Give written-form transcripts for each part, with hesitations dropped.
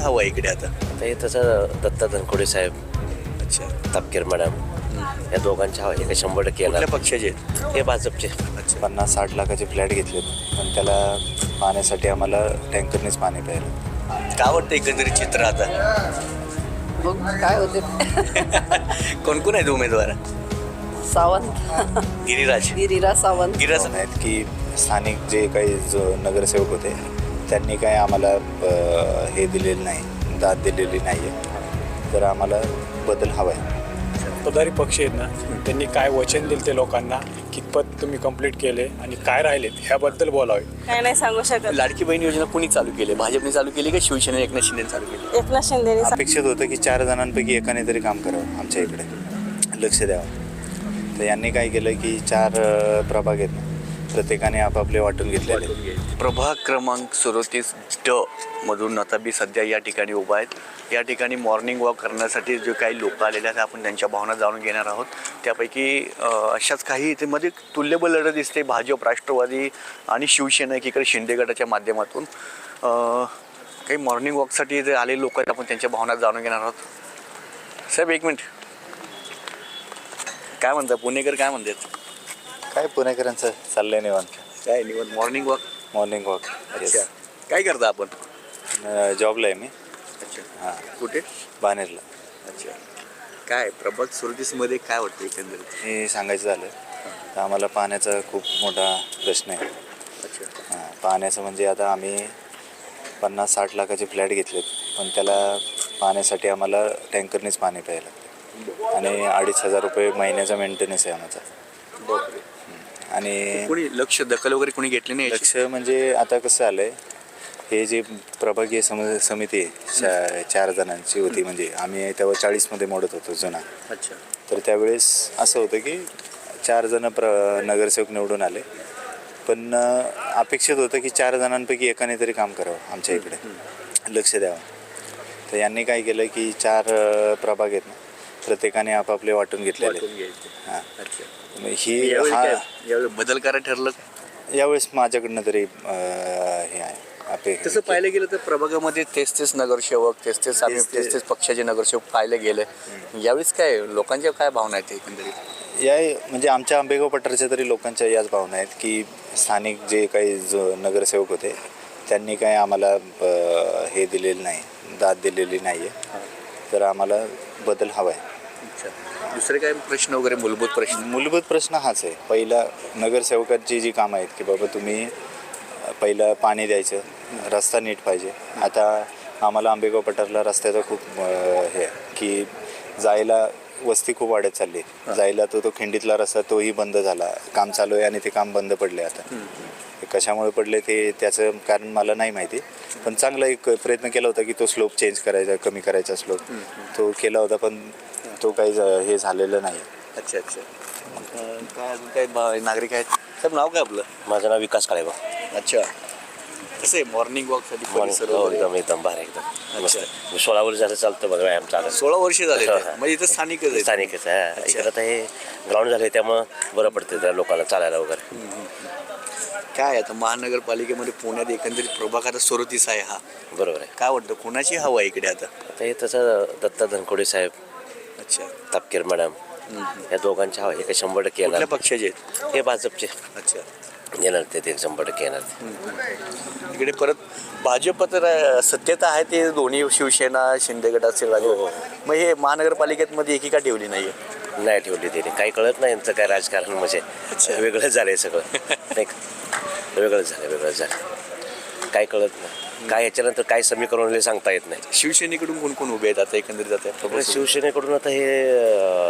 हवा आहे इकडे आता? आता हे तसं दत्ता धनकोडे साहेब, अच्छा, तापकीर मॅडम, या दोघांच्या हवा आहे. 100% येणार. कुठल्या पक्षाचे आहेत? हे भाजपचे. अच्छा, 50-60 लाखाचे फ्लॅट घेतलेत, पण त्याला पाण्यासाठी आम्हाला टँकरनेच पाणी प्यायला. काय वाटतं एकंदरीत चित्र आता? बघ काय होते. कोण कोण आहेत उमेदवार? सावंत, गिरिराज. गिरिराज सावंत. गिरिराज आहेत की स्थानिक जे काही जो नगरसेवक होते त्यांनी काय आम्हाला हे दिलेलं नाही, दाद दिलेली नाही आहे, तर आम्हाला बदल हवा आहे. सत्ताधारी पक्ष आहेत ना, त्यांनी काय वचन दिले ते लोकांना, कितपत तुम्ही कंप्लीट केले आणि काय राहिलेत ह्याबद्दल बोलावे. काय नाही सांगू शकत. लाडकी बहीण योजना कोणी चालू केली? भाजपने चालू केली का शिवसेना एकनाथ शिंदे चालू केली? एकनाथ शिंदेने अपेक्षित होतं की 4 जणांपैकी एकाने तरी काम करावं, आमच्या इकडे लक्ष द्यावं. तर यांनी काय केलं की 4 प्रभाग आहेत, प्रत्येकाने आपापले वाटून घेतलेले. प्रभाग क्रमांक 37D मधून आता मी सध्या या ठिकाणी उभा आहेत. या ठिकाणी मॉर्निंग वॉक करण्यासाठी जे काही लोक आलेले आहेत आपण त्यांच्या भावना जाणून घेणार आहोत. त्यापैकी अशाच काही इथे मध्ये तुल्यबळ लढत दिसते. भाजप, राष्ट्रवादी आणि शिवसेना एकीकडे शिंदे गटाच्या माध्यमातून काही मॉर्निंग वॉकसाठी जे आलेले लोक आहेत आपण त्यांच्या भावना जाणून घेणार आहोत. साहेब एक मिनिट, काय म्हणतात पुणेकर, काय म्हणतात? काय पुणेकरांचं चाललंय निवांत. काय निवड मॉर्निंग वॉक? Morning walk. अच्छा, काय करता आपण? जॉबला आहे मी. अच्छा, हां, कुठे? बानेरला. अच्छा, काय प्रभाग 37मध्ये काय वाटतं एकंदरीत? हे सांगायचं झालं तर आम्हाला पाण्याचा खूप मोठा प्रश्न आहे. अच्छा, पाण्याचं म्हणजे आता आम्ही 50-60 लाखाचे फ्लॅट घेतलेत, पण त्याला पाण्यासाठी आम्हाला टँकरनेच पाणी प्यायला लागतं आणि 2,500 रुपये महिन्याचा मेंटेनन्स आहे आमचा. बापरे. आणि कोणी लक्ष दखल वगैरे कोणी घेतली नाही? लक्ष म्हणजे आता कसं आलं आहे, हे जे प्रभागीय समिती आहे 4 जणांची होती, म्हणजे आम्ही तेव्हा 40मध्ये मोडत होतो जुना. अच्छा, तर त्यावेळेस असं होतं की 4 जण नगरसेवक निवडून आले, पण अपेक्षित होतं की 4 जणांपैकी एकाने तरी काम करावं, आमच्या इकडे लक्ष द्यावं. तर यांनी काय केलं की 4 प्रभाग आहेत ना, प्रत्येकाने आपापले वाटून घेतलेले. हां, अच्छा. ही यावेळी बदल करायला ठरलं? यावेळेस माझ्याकडनं तरी हे आहे तसं पाहिलं गेलं तर प्रभागामध्ये तेच नगरसेवक, तेच पक्षाचे नगरसेवक पाहिले गेले. यावेळेस काय लोकांच्या काय भावना आहेत एकंदरीत? या म्हणजे आमच्या आंबेगाव पठारच्या तरी लोकांच्या याच भावना आहेत की स्थानिक जे काही जो नगरसेवक होते त्यांनी काय आम्हाला हे दिलेलं नाही, दाद दिलेली नाही आहे, तर आम्हाला बदल हवा आहे. अच्छा, दुसरे काय प्रश्न वगैरे मूलभूत प्रश्न हाच आहे. पहिला नगरसेवकांची जी कामं आहेत की बाबा तुम्ही पहिलं पाणी द्यायचं, रस्ता नीट पाहिजे. आता आम्हाला आंबेगाव पठारला रस्त्याचं खूप हे की जायला वस्ती खूप वाढत चालली. जायला तो खिंडीतला रस्ता तोही बंद झाला, काम चालू आहे आणि ते काम बंद पडले. आता कशामुळे पडले ते त्याचं कारण मला नाही माहिती, पण चांगला एक प्रयत्न केला होता की तो स्लोप चेंज करायचा, कमी करायचा स्लोप तो केला होता, पण तो काही हे झालेलं नाही. अच्छा अच्छा, काय अजून काय नागरिक आहेत? साहेब नाव काय आपलं? माझं नाव विकास काळेबा. अच्छा, कसं आहे मॉर्निंग वॉकसाठी परिसर हो, वगैरे? एकदम भारी, एकदम मस्त. अच्छा. 16 वर्ष झालं चालतं बघा व्यायाम चालत. 16 वर्ष झाले हा, ते. हा. म्हणजे इथं स्थानिकच आहे. स्थानिकच आहे. अच्छा. इकडं आता हे ग्राउंड झाले त्यामुळं बरं पडतं त्या लोकांना चालायला वगैरे. काय आता महानगरपालिकेमध्ये पुण्यात एकंदरीत प्रभाग आता 37 आहे हा. बरोबर आहे. काय वाटतं कोणाची हवा आहे इकडे आता? आता हे तसं दत्ता धनकोडे साहेब, अच्छा, तापकीर मॅडम, या दोघांच्या हवा आहे. 100% येणार. कुठल्या पक्षाचे आहेत? हे भाजपचे अच्छा, येणार ते 100% येणार. इकडे परत भाजप तर सत्तेत आहे, ते दोन्ही शिवसेना शिंदे गट असेल. मग हे महानगरपालिकेत मध्ये एकीका ठेवली नाहीये? नाही ठेवली त्याने. काही कळत नाही यांचं काय राजकारण, म्हणजे वेगळंच झालं आहे सगळं. नाही का? वेगळंच झालं. काय कळत नाही. काय याच्यानंतर काय समीकरण सांगता येत नाही. शिवसेनेकडून कोण कोण उभे आहेत आता एकंदरीत? आता शिवसेनेकडून आता हे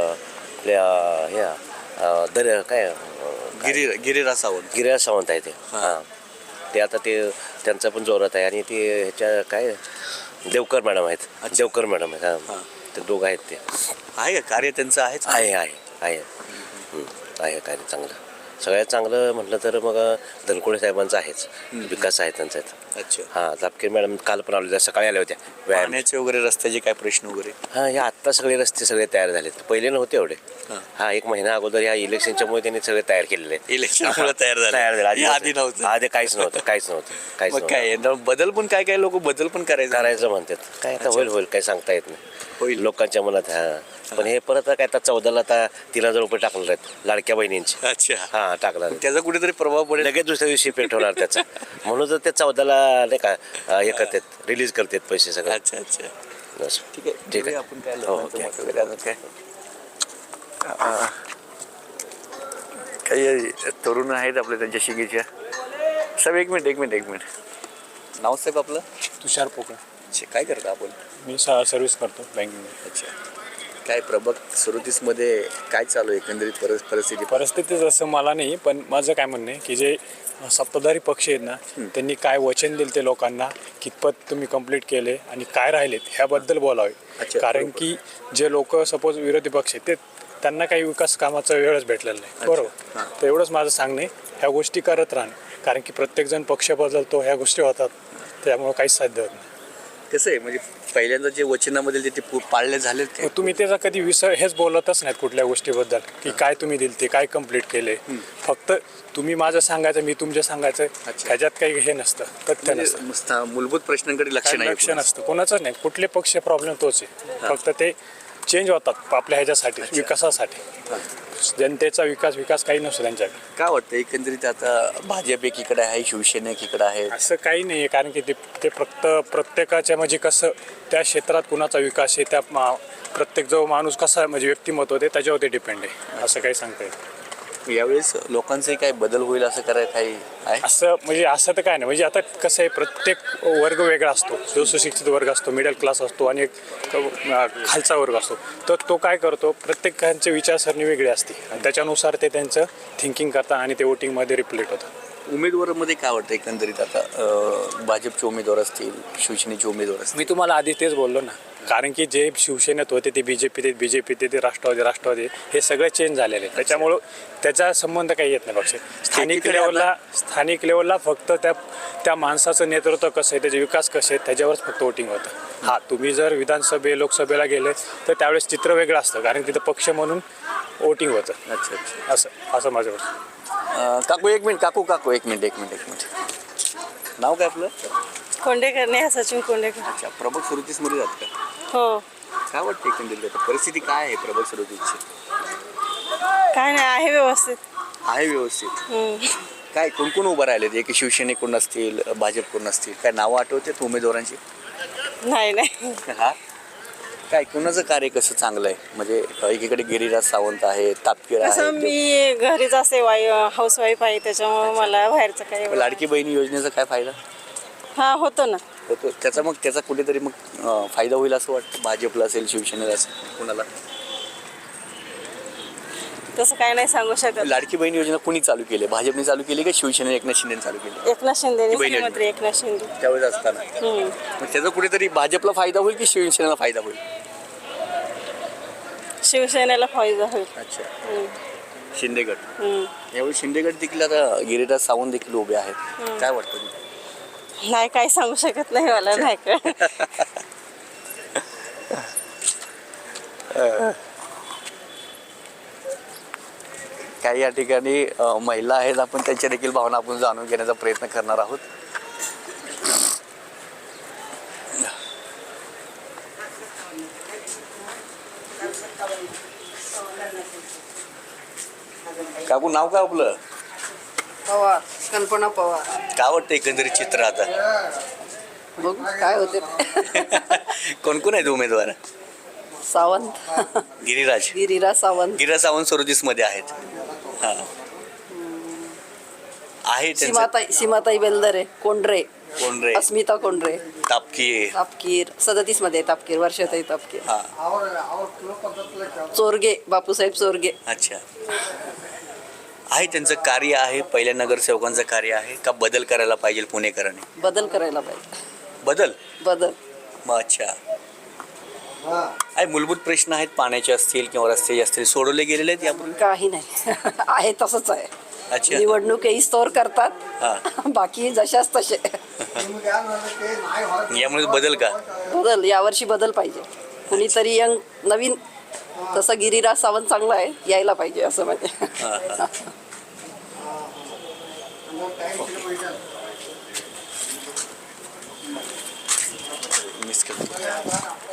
आपल्या काय गिरिराज सावंत. गिरिराज सावंत आहे ते. हां, ते आता ते त्यांचा पण जोरात आहे. आणि ते ह्याच्या काय देवकर मॅडम आहेत. देवकर मॅडम आहेत. हां, ते दोघं आहेत. ते आहे का कार्य त्यांचं? आहे आहे कार्य चांगलं. सगळ्यात चांगलं म्हटलं तर मग धनकोडे साहेबांचं आहेच, विकास आहे त्यांचा इथं. अच्छा. हां, तापकीर मॅडम काल पण आल्या, सकाळी आल्या होत्या व्यायाम. पाण्याचे वगैरे रस्त्याचे काय प्रश्न वगैरे? हां, हे आत्ता सगळे रस्ते सगळे तयार झालेत, पहिले नव्हते एवढे. हां. हा, 1 महिना अगोदर या इलेक्शनच्यामुळे त्यांनी सगळे तयार केलेले आहेत. इलेक्शनमुळे तयार झाले. तयार झाले आधी नव्हतं. आधी काहीच नव्हतं. मग काय बदल पण काय लोक बदल पण करायचं म्हणतात. काय आता होईल काही सांगता येत नाही होईल. लोकांच्या मनात. हां, पण हे परत काय आता 14ला आता 3000 रुपये टाकणार आहेत लाडक्या बहिणींची. अच्छा. हां, टाकणार आहेत. त्याचा कुठेतरी प्रभाव पडेल. लगेच दुसऱ्या दिवशी इफेक्ट होणार त्याचा. म्हणून तर ते 14ला नाही का हे करतात, रिलीज करतात पैसे सगळे. अच्छा अच्छा. बस. ठीक आहे. ठीक आहे. बघूया आपण काय हो, लोकांचं ओके. मत वगैरे अजून काय काही तरुण आहेत आपले त्यांच्या शिगीच्या. साहेब एक मिनिट नाव साहेब आपलं? तुषार पोकळ. अच्छा, काय करता आपण? मी सर्व्हिस करतो बँकिंगमध्ये. अच्छा. काय प्रभाग 37मध्ये काय चालू आहे एकंदरीत परिस्थिती? परिस्थिती जसं मला नाही, पण माझं काय म्हणणं आहे की जे सत्ताधारी पक्ष आहेत ना, त्यांनी काय वचन दिले ते लोकांना, कितपत तुम्ही कंप्लीट केले आणि काय राहिलेत ह्याबद्दल बोलावे. अच्छा, कारण बरोबर. की जे लोक सपोज विरोधी पक्ष आहेत ते त्यांना काही विकास कामाचा वेळच भेटलेला नाही. बरोबर. हां. तर एवढंच माझं सांगणे, ह्या गोष्टी करत राहणं, कारण की प्रत्येकजण पक्ष बदलतो, ह्या गोष्टी होतात, त्यामुळे काहीच साध्य होत नाही. कसं आहे म्हणजे पहिल्यांदा जे वचनामध्ये ते पाळले झाले मग तुम्ही त्याचा कधी हेच बोलतच नाहीत कुठल्या गोष्टीबद्दल की काय तुम्ही दिल ते काय कंप्लीट केले. फक्त तुम्ही माझं सांगायचं, मी तुमचं सांगायचं, अच्छा. ह्याच्यात काही हे नसतं, तथ्य नसतं, मूलभूत प्रश्नांकडे लक्ष नाही. लक्ष नसतं कोणाचंच नाही. कुठले पक्ष प्रॉब्लेम तोच आहे, फक्त ते चेंज होतात आपल्या ह्याच्यासाठी, विकासासाठी. जनतेचा विकास काही नसतो त्यांच्याकडे. काय वाटतं एकंदरीत आता भाजप एकीकडे आहे, शिवसेना एकीकडे आहे? असं काही नाही आहे, कारण की ते फक्त प्रत्येकाच्या म्हणजे कसं त्या क्षेत्रात कुणाचा विकास आहे, त्या प्रत्येक जो माणूस कसा म्हणजे व्यक्तिमत्व आहे त्याच्यावरती डिपेंड आहे. असं काही सांगता येईल. यावेळेस लोकांचे काय बदल होईल असं करायला काही आहे? असं म्हणजे असं तर काय नाही, म्हणजे आता कसं आहे, प्रत्येक वर्ग वेगळा असतो. जो सुशिक्षित वर्ग असतो, मिडल क्लास असतो आणि एक खालचा वर्ग असतो. तर तो काय करतो, प्रत्येकांची विचारसरणी वेगळी असते आणि त्याच्यानुसार ते त्यांचं थिंकिंग करतात आणि ते वोटिंगमध्ये रिफ्लेक्ट होतं. उमेदवारामध्ये काय वाटतं एकंदरीत आता भाजपचे उमेदवार असतील, शिवसेनेचे उमेदवार असतील? मी तुम्हाला आधी तेच बोललो ना, कारण की जे शिवसेनेत होते ते बीजेपीत ते राष्ट्रवादी हे सगळे चेंज झालेले आहेत. त्याच्यामुळं त्याचा संबंध काही येत नाही. पक्ष स्थानिक लेवलला फक्त त्या माणसाचं नेतृत्व कसं आहे, त्याचे विकास कसे आहेत त्याच्यावरच फक्त वोटिंग होतं. हां, तुम्ही जर लोकसभेला गेले तर त्यावेळेस चित्र वेगळं असतं, कारण तिथं पक्ष म्हणून वोटिंग होतं. अच्छा अच्छा. असं माझ्यावर. काकू एक मिनिट. नाव काय आपलं? कोंडेकर नाही, सचिन कोंडेकर. अच्छा. प्रभाग 37मध्ये जात का? हो. काय वाटतं एकंदरीत आता परिस्थिती काय आहे प्रभाग 37ची? काय नाही, आहे व्यवस्थित. आहे व्यवस्थित. काय कोण उभं राहिलेत? एक शिवसेनेकडून असतील, भाजपकडून असतील, काय नावं आठवतात उमेदवारांची? नाही. हा. काय कोणाचं कार्य कसं चांगलं आहे? म्हणजे एकीकडे गिरिराज सावंत आहे, तापकीर कसं आहे, मी घरीच असे हाऊसवाईफ आहे, त्याच्यामुळे मला बाहेरचं काही एवढं- लाडकी बहिणी योजनेचा काय फायदा हा होतो ना. होतो? त्याचा कुठेतरी मग फायदा होईल असं वाटतं भाजपला असेल, शिवसेनेला असेल, कुणाला? तसं काय नाही सांगू शकत. लाडकी बहीण योजना कुणी चालू केली? भाजपने चालू केली का शिवसेने एकनाथ शिंदेने चालू केली? एकनाथ शिंदे, बहिणी मुख्यमंत्री एकनाथ शिंदे. त्यावेळेस असताना मग त्याचा कुठेतरी भाजपला फायदा होईल की शिवसेनेला फायदा होईल? शिवसेनेला फायदा होईल. अच्छा. शिंदेगड यावेळी शिंदेगड देखील आता गिरिराज सावंत देखील उभे आहेत. काय वाटतं? नाही, काय सांगू शकत नाही, मला नाही कळ. काही या ठिकाणी महिला आहेत, आपण त्यांच्या देखील भावना आपण जाणून घेण्याचा प्रयत्न करणार आहोत. काकू नाव काय आपलं? पवार, कल्पना पवार. काय वाटतं एकंदरीत चित्र आता? बघू काय होते. कोण आहेत उमेदवार? सावंत, गिरिराज गिरिराज सावंत, 37मध्ये आहेत. हा आहे त्यांचं सीमाताई बेलदरे, कोंढरे, कोंढरे, अस्मिता कोंढरे, तापकीर 37 मध्ये तापकीर, वर्षाताई तापकीर, हा. चोरगे, बापूसाहेब चोरगे. अच्छा. आहे त्यांचं कार्य आहे, पहिल्या नगरसेवकांचं कार्य आहे का बदल करायला पाहिजे पुणेकरांनी? बदल करायला पाहिजे. बदल. मग अच्छा. आहे मूलभूत प्रश्न आहेत, पाण्याचे असतील किंवा रस्ते असतील, सोडवले गेलेले आहेत यापूर्वी? काही नाही. आहे तसंच आहे. अच्छा. निवडणूक येईस्तोवर हा. करतात बाकी जशाच तसे. यामुळे बदल का? बदल यावर्षी बदल पाहिजे. कुणीतरी यंग नवीन, तसं गिरिराज सावंत चांगला आहे, यायला पाहिजे असं म्हणजे. मिस करतो.